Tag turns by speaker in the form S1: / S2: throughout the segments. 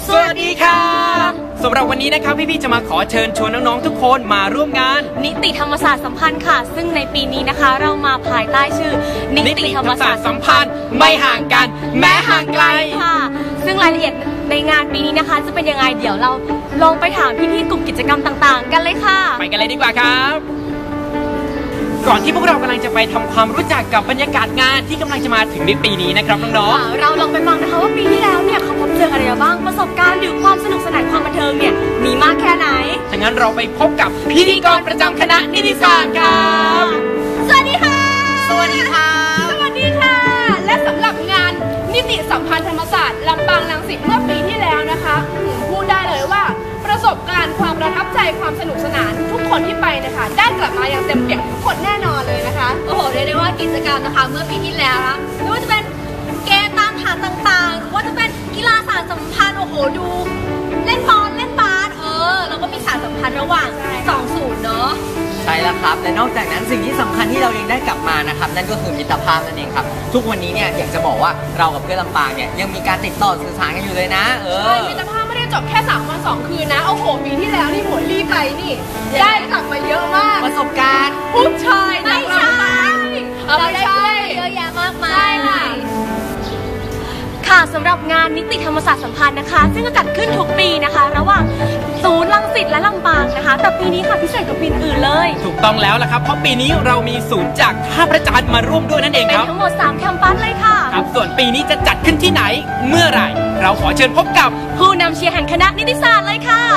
S1: สวัสดีค่ะสำหรับวันนี้นะครับพี่ๆจะมาขอเชิญชวนน้องๆทุกคนมาร่วมงาน
S2: นิติธรรมศาสตร์สัมพันธ์ค่ะซึ่งในปีนี้นะคะเรามาภายใต้ชื่อนิติธรรมศาสตร์สัมพันธ์
S1: ไม่ห่างกันแม้ห่างไกล
S2: ค่ะซึ่งรายละเอียดในงานปีนี้นะคะจะเป็นยังไงเดี๋ยวเราลองไปถามพี่ๆกลุ่มกิจกรรมต่างๆกันเลยค่ะ
S1: ไปกันเลยดีกว่าครับก่อนที่พวกเรากำลังจะไปทำความรู้จักกับบรรยากาศงานที่กำลังจะมาถึงในปีนี้นะครับน้อง
S2: ๆเราลองไปฟังนะคะว่าปีที่แล้วเนี่ยเขาพบเจออะไรบ้างประสบการณ์หรือความสนุกสนานความบันเทิงเนี่ยมีมากแค่ไหน
S1: ถ้างั้นเราไปพบกับพิธีกรประจำคณะนิติศาสตร์ครับ
S2: สวัสดีค่ะ
S3: สวัสดีค่ะ
S2: สวัสดีค่ะ
S3: และสำหรับงานนิติสัมพันธ์ธรรมศาสตร์ลำปางรังสิตเมื่อปีที่แล้วนะคะพูดได้เลยว่าประสบการณ์ความประทับใจความสนุกสนานทุกคนที่ไปนะคะได้กลับมาอย่างเต็มเปี่ยมทุกคนแน่นอนเลยนะคะ
S2: โอ้โหเรียกได้ว่ากิจกรรมนะคะเมื่อปีที่แล้วนะไม่ว่าจะเป็นเกมตามฐานต่างๆหรือว่าจะเป็นกีฬาสารสัมพันธ์โอ้โหดูเล่นบอลเล่นบาสแล้วก็มีสารสัมพันธ์ระหว่าง2 ศูนย์เนาะ
S4: ใช่แล้วครับและนอกจากนั้นสิ่งที่สำคัญที่เรายังได้กลับมานะครับนั่นก็คือมิตรภาพนั่นเองครับทุกวันนี้เนี่ยอยากจะบอกว่าเรากับเพื่อนลำปางเนี่ยยังมีการติดต่อสื่อสารกันอยู่เลยนะ
S3: มิตรภาพไม่ได้จบแค่3 วัน 2 คืนนะโอ้โหปีที่แล้วนี่หมดรีไปนี่ได้กลับมาเยอะมาก
S4: ประสบการณ์
S3: ผู้ชาย
S2: ไม่ใช่
S3: ไม่ใช่
S2: เยอะแยะมากมายค่ะสำหรับงานนิติธรรมศาสตร์สัมพันธ์นะคะซึ่งจะจัดขึ้นทุกปีนะคะระหว่างศูนย์รังสิตและลำปางนะคะแต่ปีนี้ค่ะพิเศษกว่าปีอื่นเลย
S1: ถูกต้องแล้วล่ะครับเพราะปีนี้เรามีศูนย์จากท่าพระจันทร์มาร่วมด้วยนั่นเองครับ
S2: เป็นทั้งหมด3 แคมปัสเลยค่ะ
S1: ครับส่วนปีนี้จะจัดขึ้นที่ไหนเมื่อไหร่เราขอเชิญพบกับ
S2: ผู้นำเชียร์แห่งคณะนิติศาสตร์เลยค่ะ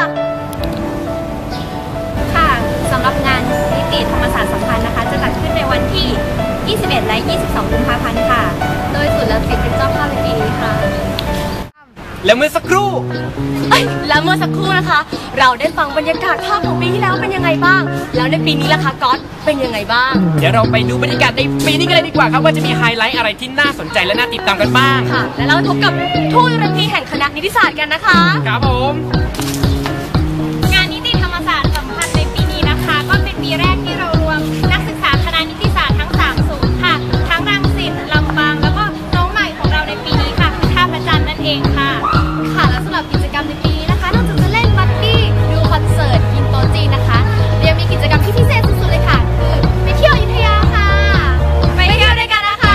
S5: ค่ะสำหรับงานนิติธรรมศาสตร์สัมพันธ์นะคะจะจัดขึ้นในวันที่21 และ 22 กุมภาพันธ์ค่ะโดยศูนย์รังสิตเป็นเจ้าภาพในปีนี้ค่ะ
S1: และเมื่อสักครู่
S2: นะคะ เราได้ฟังบรรยากาศภาพของปีที่แล้วเป็นยังไงบ้างแล้วในปีนี้ล่ะคะก๊อตเป็นยังไงบ้าง
S1: เดี๋ยวเราไปดูบรรยากาศในปีนี้กันเลยดีกว่าครับว่าจะมีไฮไลท์อะไรที่น่าสนใจและน่าติดตามกันบ้าง
S2: ค่ะและเราพบกับทูตรังพีแห่งคณะนิติศาสตร์กันนะคะ
S1: ครับผม
S5: งานนิติธรรมศาสตร์สัมพันธ์ในปีนี้นะคะก็เป็นปีแรกที่เรารวมนักศึกษาคณะนิติศาสตร์ทั้ง3 ศูนย์ค่ะทั้งรังสิตลำปางแล้วก็น้องใหม่ของเราในปีนี้ค่ะคือท่าพระจันทร์นั่นเองค่ะ
S2: และสำหรับกิจกรรมในปีนี้นะคะนอกจากจะเล่นบัดดี้ดูคอนเสิร์ตกินโต๊ะจีนนะคะยังมีกิจกรรมที่พิเศษสุดๆเลยค่ะคือไปเที่ยวอยุธยาค่ะไปเที่ยวด้วยกันนะคะ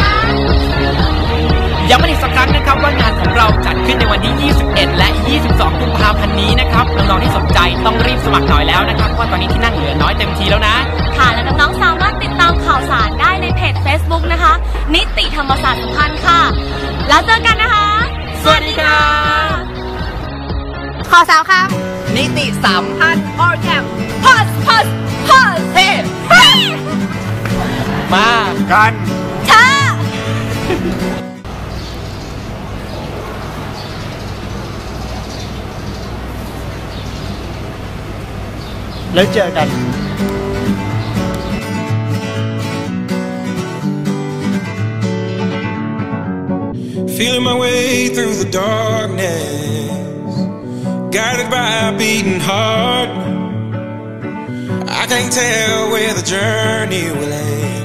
S1: ย้ำอีกสักครั้งนะครับว่างานของเราจัดขึ้นในวันที่ 21 และ 22 กุมภาพันธ์นี้นะครับน้องๆที่สนใจต้องรีบสมัครหน่อยแล้วนะครับเพราะตอนนี้ที่นั่งเหลือน้อยเต็มทีแล้วนะ
S2: ค่ะและน้องๆสามารถติดตามข่าวสารได้ในเพจ Facebook นะคะนิติธรรมศาสตร์สัมพันธ์ค่ะแล้วเจอกันนะคะ
S1: สวัสดีครับ
S2: ขอ3 ค
S4: ำนิติสัมพันธ์
S2: or camp pause
S1: เฮ้มากัน
S2: ช้า
S1: แล้วเจอกัน
S6: Feeling my way through the darkness, guided by a beating heart. I can't tell where the journey will end,